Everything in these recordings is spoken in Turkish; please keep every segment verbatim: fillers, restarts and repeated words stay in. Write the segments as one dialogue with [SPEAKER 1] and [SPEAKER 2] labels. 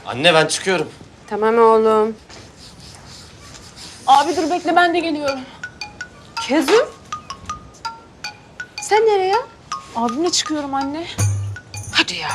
[SPEAKER 1] Anne ben çıkıyorum.
[SPEAKER 2] Tamam oğlum.
[SPEAKER 3] Abi dur bekle ben de geliyorum.
[SPEAKER 2] Kezum. Sen nereye?
[SPEAKER 3] Abimle çıkıyorum anne.
[SPEAKER 2] Hadi ya.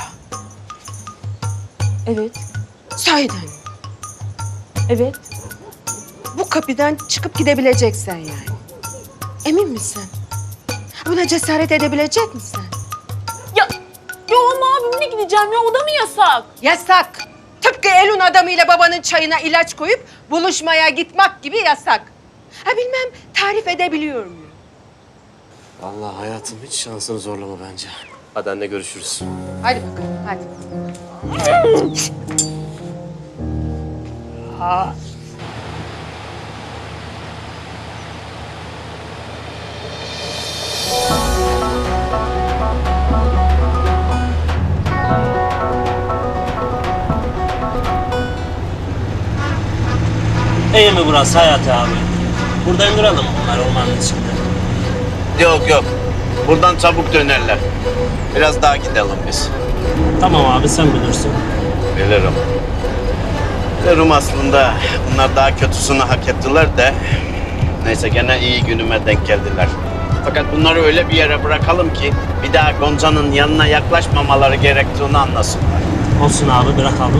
[SPEAKER 3] Evet.
[SPEAKER 2] Sahiden.
[SPEAKER 3] Evet.
[SPEAKER 2] Bu kapıdan çıkıp gidebileceksen yani. Emin misin? Buna cesaret edebilecek misin?
[SPEAKER 3] Ya, ya ama abimle gideceğim ya. O da mı yasak?
[SPEAKER 2] Yasak. Tıpkı elin adamıyla babanın çayına ilaç koyup buluşmaya gitmek gibi yasak. Ha bilmem tarif edebiliyor muyum?
[SPEAKER 1] Vallahi hayatım hiç şansını zorlama bence. Hadi anne görüşürüz.
[SPEAKER 2] Hadi bakalım hadi.
[SPEAKER 4] İyi mi burası Hayati abi? Burada induralım bunlar ormanın içinde.
[SPEAKER 5] Yok yok. Buradan çabuk dönerler. Biraz daha gidelim biz.
[SPEAKER 4] Tamam abi sen bilirsin.
[SPEAKER 5] Bilirim. Bilirim aslında. Bunlar daha kötüsünü hak ettiler de. Neyse gene iyi günüme denk geldiler. Fakat bunları öyle bir yere bırakalım ki bir daha Gonca'nın yanına yaklaşmamaları gerektiğini anlasınlar.
[SPEAKER 4] Olsun abi bırakalım.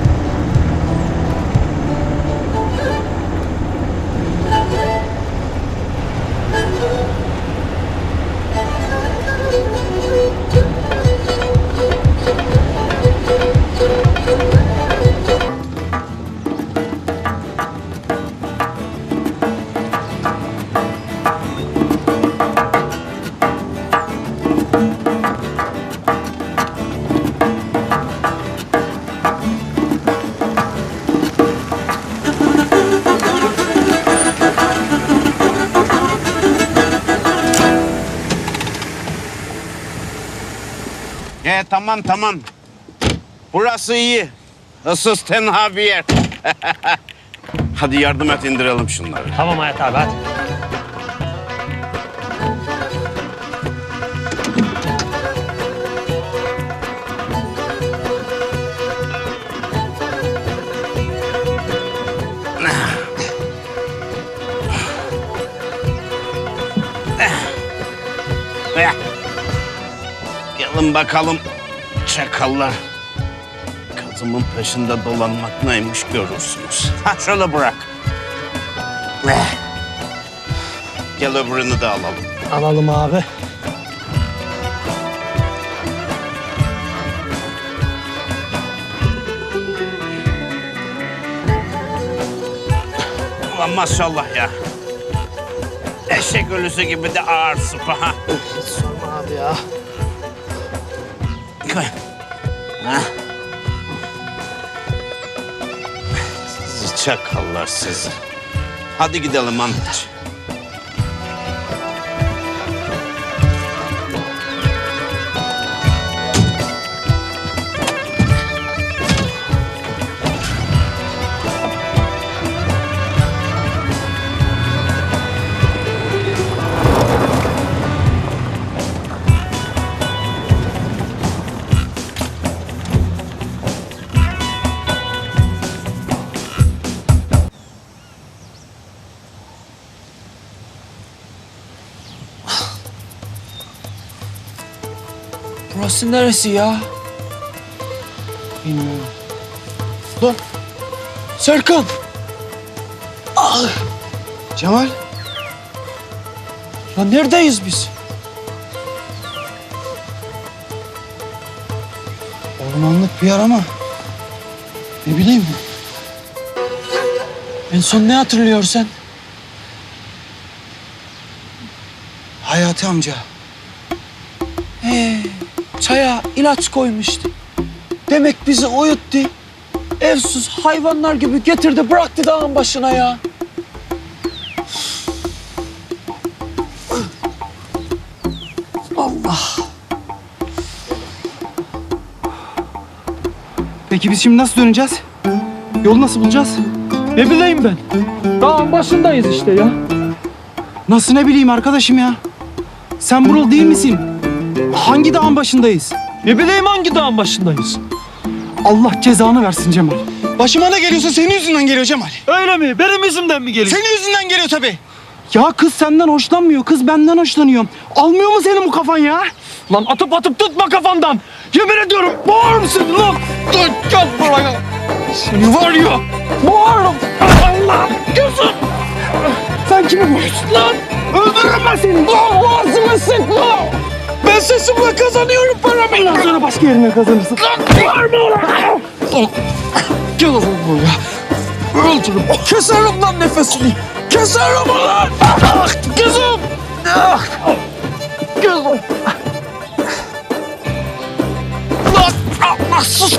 [SPEAKER 5] He tamam tamam. Burası iyi. Issız tenha bir yer. Hadi yardım et indirelim şunları.
[SPEAKER 4] Tamam Hayati abi hadi.
[SPEAKER 5] Gelin bakalım çakallar. Kızımın peşinde dolanmak neymiş görürsünüz. Ha şöyle bırak. Gel öbürünü de alalım.
[SPEAKER 4] Alalım abi.
[SPEAKER 5] Ulan maşallah ya. Eşek ölüsü gibi de ağır sıpa ha.
[SPEAKER 4] Sorma abi ya.
[SPEAKER 5] Koy. Ha. Sizi çakallar sizi. Hadi gidelim Ahmet.
[SPEAKER 6] Burası neresi ya? Bilmiyorum. Lan! Serkan! Ah! Cemal! Lan neredeyiz biz? Ormanlık bir yer ama ne bileyim. En son ne hatırlıyorsun sen? Hayati amca. Ee, çaya ilaç koymuştu. Demek bizi uyuttu. Evsiz hayvanlar gibi getirdi bıraktı dağın başına ya. Allah.
[SPEAKER 7] Peki biz şimdi nasıl döneceğiz? Yolu nasıl bulacağız?
[SPEAKER 6] Ne bileyim ben. Dağın başındayız işte ya.
[SPEAKER 7] Nasıl ne bileyim arkadaşım ya? Sen buralı değil misin? Hangi dağın başındayız?
[SPEAKER 6] Ne bileyim hangi dağın başındayız.
[SPEAKER 7] Allah cezanı versin Cemal.
[SPEAKER 8] Başıma ne geliyorsa senin yüzünden geliyor Cemal.
[SPEAKER 7] Öyle mi? Benim yüzümden mi geliyor?
[SPEAKER 8] Senin yüzünden geliyor tabii.
[SPEAKER 7] Ya kız senden hoşlanmıyor, kız benden hoşlanıyor. Almıyor mu senin bu kafan ya? Lan atıp atıp tutma kafandan. Yemin ediyorum boğarım seni lan. Dur gel buraya. Seni var ya boğarım. Allah gözüm. Sen kimi boğuyorsun lan? Öldürürüm ben seni. Lan boğazımı sıkma. Ben sesimle kazanıyorum paramı. Bundan sonra başka yerine kazanırsın. Lan bağırma ulan. Gel oğlum buraya. Öldürürüm. Keserim lan nefesini. Keserim ulan. Ah gözüm. Ah. Gözüm. Lan Allah sus.